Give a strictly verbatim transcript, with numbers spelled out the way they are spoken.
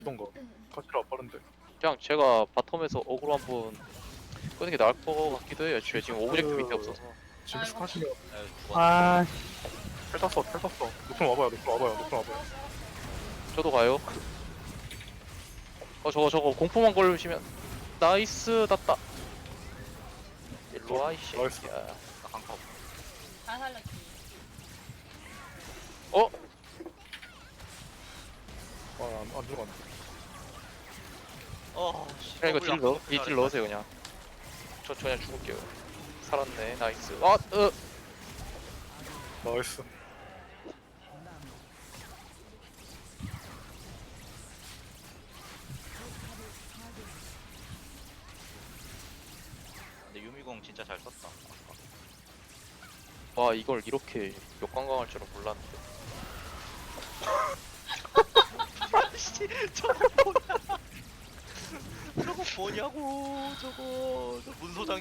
던가 카시라 안 빠른데. 그냥 제가 바텀에서 어그로 한번 끄는 게 나을 것 같기도 해요. 쟤 지금 오브젝트 밑에 없어서. 지금 아이고. 스타시면 에이, 죽었네. 아, 텔 탔어 텔 탔어. 노플 와봐요 노플 와봐요 노플 와봐요. 저도 가요. 어 저거 저거 공포만 걸리시면 나이스 났다. 일로 와 이씨. 나이스. 야. 나 강타 없어. 다 살렸지. 어? 아안 안 들어갔네. 어, 씨. 그냥 이거 더블 딜 넣어. 약속 이딜 넣으세요 그냥. 저, 저 그냥 죽을게요. 살았네. 나이스. 아, 으. 나이스. 근데 유미공 진짜 잘 썼다. 와 이걸 이렇게 역관광할 줄은 몰랐는데. 아씨, 저거 뭐냐? 저거 뭐냐고, 저거. 저 문소장